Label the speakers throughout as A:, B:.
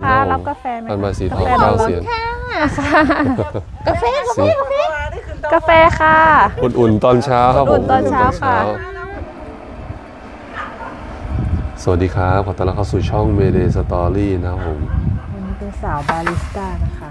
A: ค่ะรับกาแฟไหม
B: พันใบสีทอง9 เสียน
A: กาแฟกาแฟค่ะ
B: อุ่นๆตอนเช้าครับผม
A: อุ่นๆตอนเช้าค่ะ
B: สวัสดีครับขอต้อนรับเข้าสู่ช่อง Mayday Story นะครับผม
A: วันนี้เป็นสาวบาริสต้านะคะ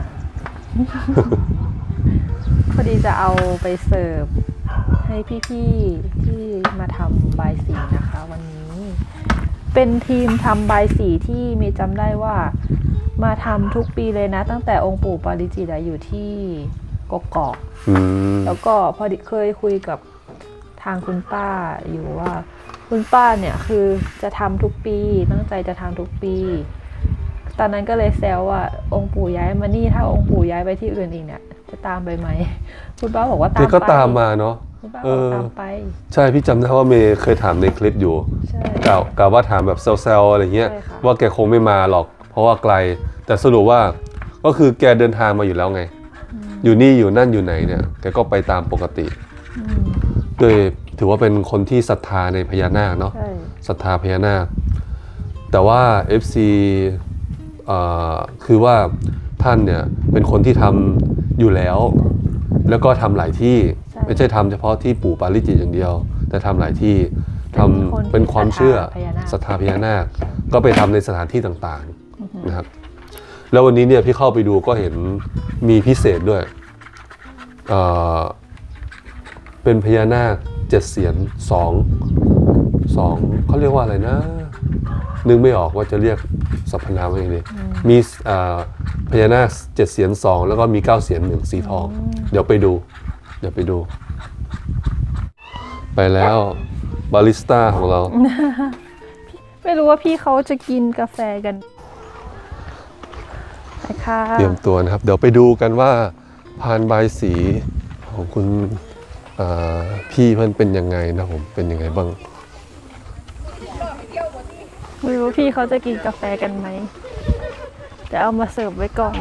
A: พอดีจะเอาไปเสิร์ฟให้พี่ๆที่มาทำบายสีนะคะ วันนี้เป็นทีมทำบายสีที่มีจำได้ว่ามาทำทุกปีเลยนะ ตั้งแต่องค์ปู่ปาริจิตอยู่ที่กกอก แล้วก็พอดีเคยคุยกับทางคุณป้าอยู่ว่าคุณป้าเนี่ยคือจะทำทุกปีตั้งใจจะทำทุกปีตอนนั้นก็เลยแซวว่าองค์ปู่ย้ายมานี่ถ้าองค์ปู่ย้ายไปที่อื่นอีกเนี่ยจะตามไปไหมคุณป้าบอกว่าตามไป
B: ก็ตามมาเนาะ
A: คุณป้าบอกตามไป
B: ใช่พี่จำได้ว่าเมย์เคยถามในคลิปอยู่
A: ใช่
B: กล่าวว่าถามแบบเซลล์อะไรเงี้ย
A: ใช่ค่ะ
B: ว่าแกคงไม่มาหรอก เพราะว่าไกลแต่สรุปว่าก็คือแกเดินทางมาอยู่แล้วไง อยู่นี่อยู่นั่นอยู่ไหนเนี่ยแกก็ไปตามปกติโดยถือว่าเป็นคนที่ศรัทธาในพญานาคเนาะ
A: ใช่
B: ศรัทธาพญานาคแต่ว่า FC คือว่าท่านเนี่ยเป็นคนที่ทำอยู่แล้ว แล้วก็ทำหลายที่ไม่ใช่ทำเฉพาะที่ปู่ปาริจิตอย่างเดียว แต่ทำหลายที่ทำเป็นความเชื่อศรัทธาพญานาคก็ไปทำในสถานที่ต่างๆนะครับแล้ววันนี้เนี่ยพี่เข้าไปดูก็เห็นมีพิเศษด้วยเป็นพญานาค7 เสียน2เขาเรียกว่าอะไรนะนึกไม่ออกว่าจะเรียกสรรพนามว่าอย่างไรมีพญานาค7 เสียน2แล้วก็มี9 เสียน1สีทองเดี๋ยวไปดูไปแล้วบาริสต้าของเรา
A: ไม่รู้ว่าพี่เขาจะกินกาแฟกันไปค่ะ
B: เตรียมตัวนะครับเดี๋ยวไปดูกันว่าพานบายสีของคุณพี่เพื่อนเป็นยังไงนะผมเป็นยังไงบ้าง
A: ไม่รู้พี่เขาจะกินกาแฟกันไหมจะเอามาเสิร์ฟไว้ก่อน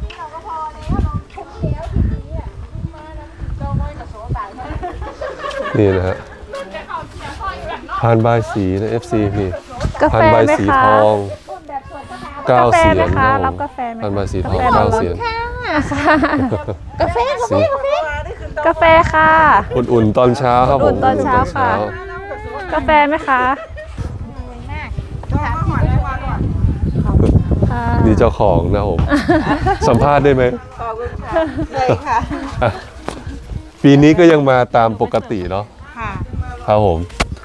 B: นี่นะฮะพานบายสีนะ FC พี่
A: กา
B: พา
A: แฟ
B: นบาย
A: ไหม
B: สี
A: คะ
B: ทอง9
A: กาแฟ
B: เสีย
A: ไหม
B: น
A: คะ
B: นะ
A: รับกาแฟไหม
B: พานบายสีทอง
A: กาแฟ
B: 9 เสียน
A: กาแฟกาแฟค่ะ
B: อุ่นๆตอนเช้าครับผม
A: อุ่นๆตอนเช้าค่ะ กาแฟไหมคะค่ะ
B: นี่เจ้าของนะผมสัมภาษณ์ได้ไหม
C: ขอบคุณค่ะได้ค่ะ
B: ปีนี้ก็ยังมาตามปกติเนาะ
C: ค่ะ
B: ครับผม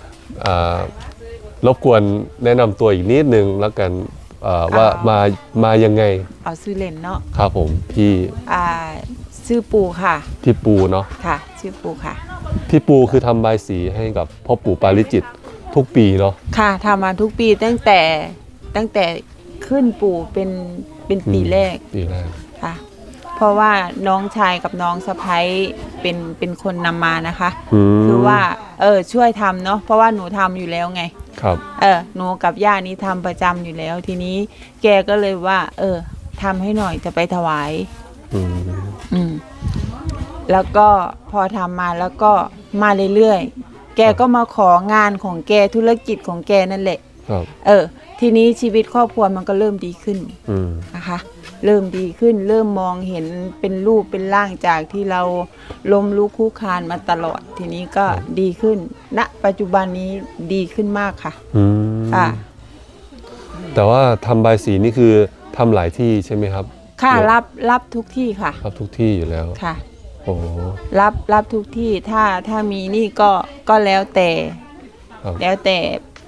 B: รบกวนแนะนำตัวอีกนิดนึงแล้วกันว่ามายังไง
C: เอาซื้อเลนเนาะ
B: ครับผมพี่
C: ชื่อปูค่ะ
B: พี่ปูเนาะ
C: ค่ะ ชื่อปูค่ะ
B: พี่ปูคือทำบายสีให้กับพ่อปู่ปาริจิตทุกปีเนาะ
C: ค่ะทำมาทุกปีตั้งแต่ขึ้นปูเป็นปีแรก
B: ปีแรก
C: ค่ะ เพราะว่าน้องชายกับน้องสะพ้ยเป็นคนนำมานะคะ คือว่าช่วยทำเนาะเพราะว่าหนูทำอยู่แล้วไง
B: ครับ
C: หนูกับย่านี้ทำประจำอยู่แล้ว ทีนี้แกก็เลยว่าทำให้หน่อยจะไปถวาย แล้วก็พอทำมาแล้วก็มาเรื่อยๆ แกก็มาของานของแกธุรกิจของแกนั่นแหละ
B: ครับ
C: ทีนี้ชีวิตครอบครัวมันก็เริ่มดีขึ้นนะคะ เริ่มดีขึ้น เริ่มมองเห็นเป็นรูปเป็นร่างจากที่เราล้มลุกคลุกคลานมาตลอด ทีนี้ก็ดีขึ้น ณ ปัจจุบันนี้ดีขึ้นมากค่ะค่ะ
B: แต่ว่าทำบายสีนี่คือทำหลายที่ใช่ไหมครับ
C: ค่ะรับทุกที่ค่ะ
B: รับทุกที่อยู่แล้ว
C: ค่ะ
B: โอ้
C: รับทุกที่ถ้ามีนี่ก็แล้วแต่
B: ครับ
C: แล้วแต่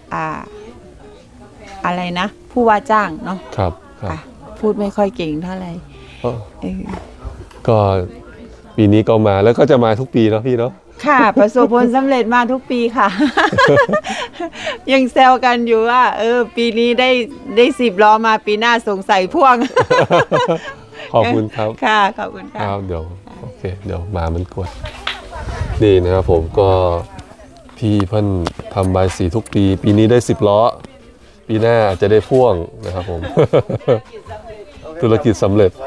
C: อะไรนะ ผู้ว่าจ้างเนาะ
B: ครับครับ
C: ค่ะ พูดไม่ค่อยเก่งเท่าไหร่
B: ก็ปีนี้ก็มาแล้วก็จะมาทุกปีเนาะพี่เนาะ
C: ค่ะ ประสบผลสำเร็จมาทุกปีค่ะ ยังแซวกันอยู่ว่าปีนี้ได้10 ล้อมาปีหน้าสงสัยพ่วง
B: ขอบคุณครับ
C: ค่ะขอบคุณค่ะ
B: ครับเดี๋ยวโอเคเดี๋ยวมามันกวนนี่นะครับผมก็พี่เพิ่นทำใบายสีทุกปีปีนี้ได้10 ล้อปีหน้าอาจจะได้พ่วงนะครับผม ธุรกิจสำเร็จ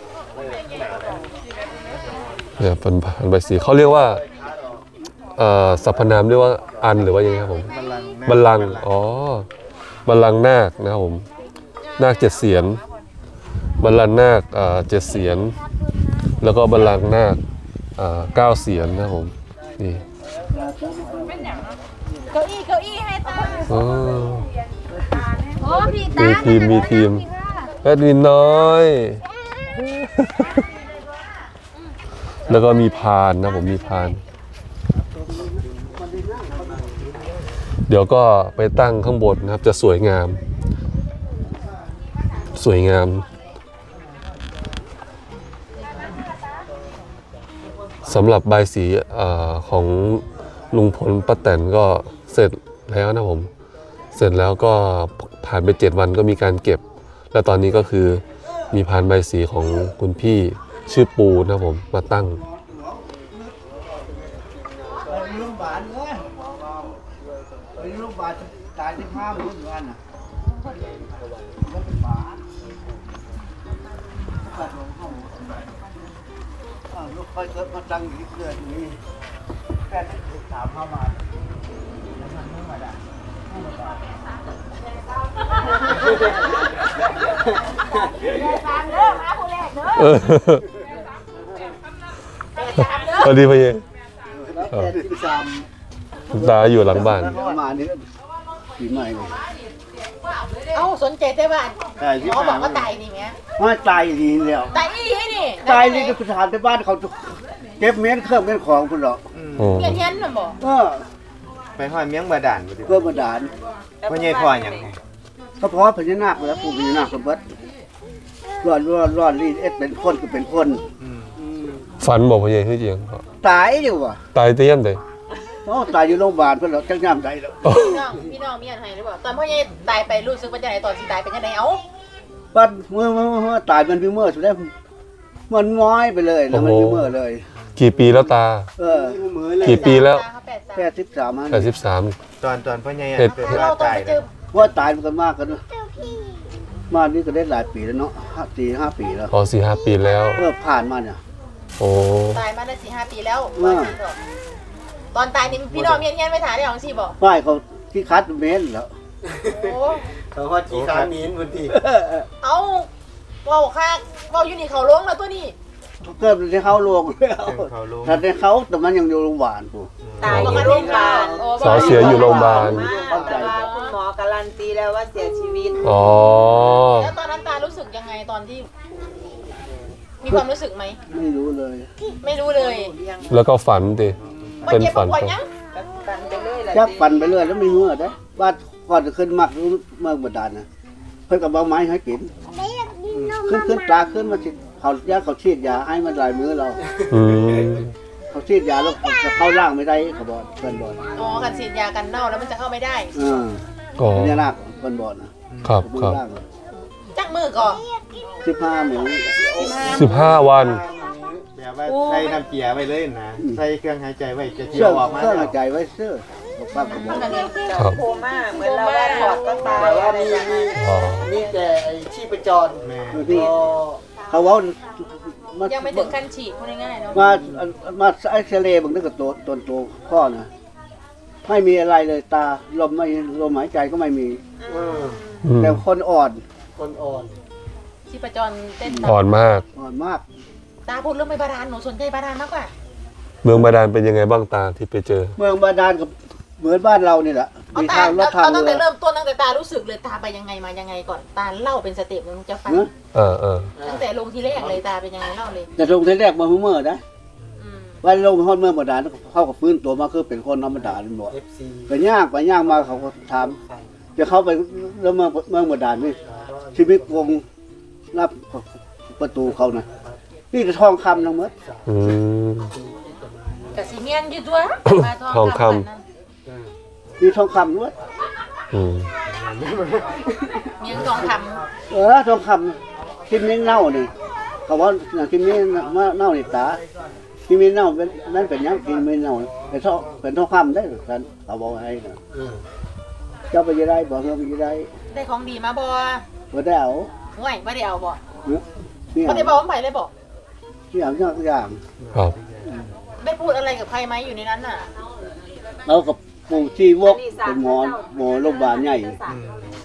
B: เนี่ยเป็นใบายสีเขาเรียกว่าสรรพนามเรียกว่าอันหรือว่ายังไงครับผมบัลลังก์อ๋อบัลลังก์นาคนะครับผมนาค7 เสียนบัลลังก์นาค7 เสียนแล้วก็บัลลังก์นาค9 เสียนนะครับผมนี่
D: เก้าอี้ให้ตา
B: อ๋อ
D: โอ้พี่ตา
B: มีทีมแอดมินน้อย แล้วก็มีพานนะผมมีพาน เดี๋ยวก็ไปตั้งข้างบนนะครับ จะสวยงาม สวยงามสำหรับใบายสีของลุงพลป้าแตนก็เสร็จแล้วนะผม เสร็จแล้วก็ผ่านไป7 วันก็มีการเก็บ และตอนนี้ก็คือมีพานใบายสีของคุณพี่ชื่อปูนะผมมาตั้ง
E: ลูกบาลเลยลูกบาลตายที่5 มื้อเหมือนกันน่ะมันเป็นบาลตัดลงเข้าลูกค่อยเกิดมาตั้งอยู่ที่เกิดนี้แค่ถูกถามเข้ามาแล้วมันไม่มาได้
B: สวัสดีพี่เย
E: แต่ที่สาม
B: คุณตาอยู่หลังบ้าน
E: ประมาณนี้ปีใหม่เลย
D: เอ้าสนใจได้บ้าน
E: แต่ที่
D: หมอ
E: สา
D: บอ
E: ม
D: กว่าตายนี่แม่
E: ว่าตายดีแล้ว
D: ตายอีให้นี่
E: ตายนี่ก็ถามที่บ้านเขาเก็บเม้นเครื่องเม้นของคุณหรอก
B: โอ้
D: เงี้ยเงี้ยน่ะบอก
F: ไปห้อยเมียงบาดาลบ่ดิ
E: เพื่อมาดาน
F: พ่อใหญ่พ่อหยังไง
E: ก็เพราะพญานาคแล้วปู่พญานาคสมบัติรอดรีดเอ็ดเป็นคนก็เป็นคน
B: ฝันบอกพี่เยคือจริง
E: ตายอยู่ว่ะ
B: ตายเตี้ยมเลย
E: ตายอยู่โรงพยาบาลเพื่อนเราจังย่ำใจแล้ว
D: พี่น้องมีอันให้หรือเปล่าตอนพ่อใหญ่ตายไปรู้สึกว่าจะไหนตอนสิตายเป็นยังไงเอ้า
E: บ้านเมื่อตายมันพิเมอร์สุดแล้วมันม้อยไปเลยนะมันพิเมอร์เลย
B: กี่ปีแล้วตา กี่ปีแล้ว
E: แค่13
B: 83
F: ตอนพ่อใหญ่
B: เฮ็ด
F: เป็น
D: เรา
F: ว่า
D: ต้อง
F: ตาย
D: ไปเจ
F: แล้
D: อ
F: ว
E: ว่าตายมันกันมากกันมานี่ก็ได้หลายปีแล้วเนาะ4-5 ปีแล้ว
B: อ๋อ4-5 ปีแล้ว
E: เมื่อผ่านมาเนี่ย
B: โอ้
D: ตายมาได้4-5 ปีแล้วตอนตายนี่พี่น้องเงี้ยเงี้ยไม่ถ่ายได้ของสิบอก
E: ป้ายเขาที่คัดเม้นแล้ว
D: โอ้
F: เขาฮอดกี่ครั้งนี้พื้นที่
D: เอ้าเว้าค่าเว้าอยู่นี่เขาลงแล้วตัวนี้
E: เกิดในเขาลงแล้ว
F: เขาลง
E: แต่ในเขาแต่มันยังอยู่โรงพยาบาลกู
C: ตายอยู่โรงพยาบาล
B: สาวเสียอยู่โรงพยาบาล
C: แต่ว่าคุณหมอการันตีแล้วว่าเสียชีวิต
B: อ๋อ
D: แล้วตอนนั้นตารู้สึกยังไงตอนที่ มีความรู้สึกไหม
E: ไม่รู้เลย
D: ไม่รู้เลย
B: แล้วก็ฝันดิ
D: มัน
B: เป็น
D: เจ็บ
B: ฝัน
D: ปวดยัง
C: ปันไปเรื่อยแหละ
E: จับปั่นไปเรื่อยแล้วไม่เมื่อได้บ้านก่อนจะขึ้นมักรู้เมื่อบดานนะเพิ่นกับเอาไม้ให้กินขึ้นตาขึ้นมาสิเขายาเขาฉีดยาให้มันหลายมื้อเรา
B: อืม
E: เขาฉีดยาแล้วจะเข้าร่างไม่ได้เขาบอกเพิ่นบอก
D: อ๋อกันฉีดยากันเน่าแล้วมันจะเข้าไม่ได้
B: อ๋อ
E: เนี่ยนักเพิ่นบอกนะครับ มือ
B: ครับ
E: ร่าง
D: จักมือก่อน
E: 15 มื้อ
B: 15 วัน
F: แบบว่าใส่น้ำเกียร์ไว้เลยนะใส่เครื่องหายใจไว้จะเที่
E: เชื่
F: ย
E: อ
F: วออกมา
E: เครื่อง
F: แล้
E: หายว ใจไว้เสื้อบอกป้าก็บอก
B: ครับ
C: โคม่าเหมือนเราว่าถอดก็ตายอะไรอย่างเงี้ย
B: อ๋อ
E: นี่แต่ไอ้ชีพจร
F: แม่
E: นี่เขาเว้ามา
D: ยังไม่ถึงขั้นฉีดพูดง่ายๆเนาะ
E: มาเอ็กซเรย์บางนึกกับตัวพ่อนะไม่มีอะไรเลยตาลมหายใจก็ไม่มี
B: อืม
E: แต่คนอ่อน
D: ชีพจรเต้น
B: อ่อนมาก
E: อ่อนมาก
D: ตาพูดเรื่องไม่บาดาลหนูสนใจบาดาลมากกว่า
B: เมืองบาดาลเป็นยังไงบ้างตาที่ไปเจอ
E: เมืองบาดาลกับเหมือนบ้านเรานี่แหละ
D: เอา
E: มี
D: ตา
E: ทางรถทาง
D: เอาตั้ง
E: เรื
D: แต่
E: อ
D: เริ่มต้นตั้งแต่ตารู้สึกเลยตาไปยังไงมายังไงก่อนตาเล่าเป็นสเต็ปหนึงจะฟัง
E: เนอะ
B: เออ
D: ตั้งแต่ลงทีแรกเลยตาเป็นยังไงเล่าเลย
E: แต่ลงทีแรกมาเมื่อนะ
D: อืม
E: วันลงฮอดเมืองบาดาลเข้ากับฟื้นตัวมาคือเป็นคนธรรมดาเลยบอกไปย่างมาเขาก็ถามจะเข้าไปแล้วเมืองบาดาลนี่ชีวิตวงรับประตูเขานะนี่จะทองคำทั้งหมด
B: อืม
D: กะสีเมียนอยู่ตัวมา
B: ทองคำ
D: แบบนั้น
E: มีทองคำด้วย
B: อืม
D: เมียนทองค
E: ทองคำที่มิ้นเน่านี่เขาว่าที่มิ้นเน่านี่ตาที่มิ้นเน่าเป็นนั่นเป็นยังที่มิ้นเน่าเป็นทองคำได้หรือกันเขาบอกให้นะเจ้าไปยังได้บอกเงาไปยังได้
D: ำได้ของดีมาบ่
E: บ่ได้เอา
D: ห่วยไม่ได้เอาบ่
E: นี่
D: ไม่ได้บอกว่าไปเลยบ่
E: ที่อย่างอย่าง
B: ครับ
D: ได้พูดอะไรกับใครไหมอยู่ในนั้นน่ะ
E: เรากับปู่ชีวกเป็นหมอโรงพยาบาลใหญ่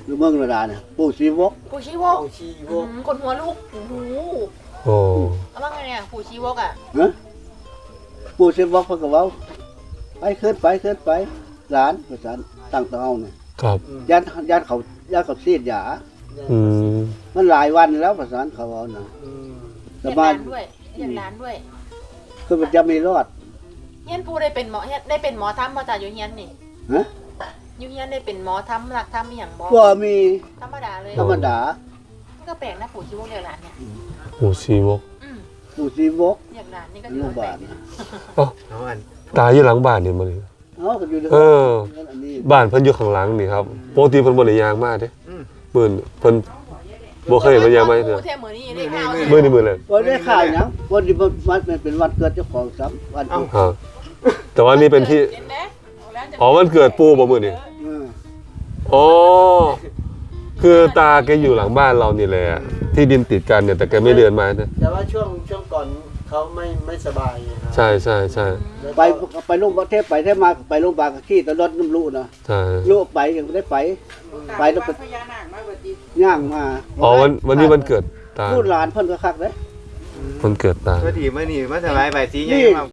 E: อยู่เมืองธรรมดาเนี่ยปู่ชีวก
D: ปู่ชีวกคนหัวลูกโอ้โห
B: โอ้
D: เอาว่าไงเนี่ยปู่ชีวกอ่ะ
E: นะปู่ชีวกเพิ่นก็เว้าไปขึ้นไปหลานประสานตั้งเตาเนี่ย
B: ครับ
E: ญาติเขาซีดยา
B: อืม
E: มันหลายวันแล้วประสานเขาเอานะ
D: เรี
E: แต่
D: ยก
E: บ้า
D: ร้าน นด้วยเรียกร้านด้วย
E: คือมันจะมีรอด
D: เฮียนปู่ได้เป็นหมอเฮียนได้เป็นหมอทำมาจากอยู่เฮียนนี่
E: ฮะ
D: อยู่เฮียนได้เป็นหมอทำหลักทำอหย่างบ่
E: ก็มี
D: ธรรมดาเลย
E: ธรรมดา
D: มันก็แปลกนะปู่ชีวกเรียกร้านเนี่ย
B: ปู่ชีวก
D: อืม
E: ปู่ชีวก
D: เรียกร้านนี่ก็
E: โร
D: ถือง
E: พ
D: ว่าย
E: า
D: แปล
E: บาก ล
D: นะ
F: เอาอัน
B: ตายอยู่หลังบ้านนี่มัน
E: เอาก็อยู่ใน
B: เออ
E: อันนี้
B: บ้านเพิ่นอยู่ข้างหลังนี่ครับปกติเพิ่นบ่ได้ย่างมาเด้เพิ่นบ่เคยมาย่างมาเด้อ
D: ปู่เทมือนี่ได้ข่าว
B: มื้อนี้มื้อแรก
E: วันได้ข่าวหยังวันที่มันเป็นวันเกิดเจ้าของซ้ำวันที่
B: ครับแต่ว่านี่เป็นที่
D: เห็นไหม
B: อ๋อวันเกิดปู่บ่มื้อนี้
E: เออ
B: อ๋อคือตาแกอยู่หลังบ้านเรานี่แหละที่ดินติดกันเนี่ยแต่แกไม่เดินมานะ
G: แต่ว่าช่วงก่อนเขาไม่สบายนะ
B: ใช่ใช่ใช่
E: ไปโรงพยาบาลเทพไปไปโรงพยาบาลขี้ตลอดน้ำลูกนะ
B: ใช่
E: ลูกไปยังไม่ได้ไปแล้วก็ย่างมา
B: อ๋อวันนี้วันเกิดตา
E: ลูกหลานเพิ่นก็คักเลย
B: วันเกิดตา
F: เมื่อทีเมื่อนี่มาสบายใบสีใหญ่
E: นี่
F: มาก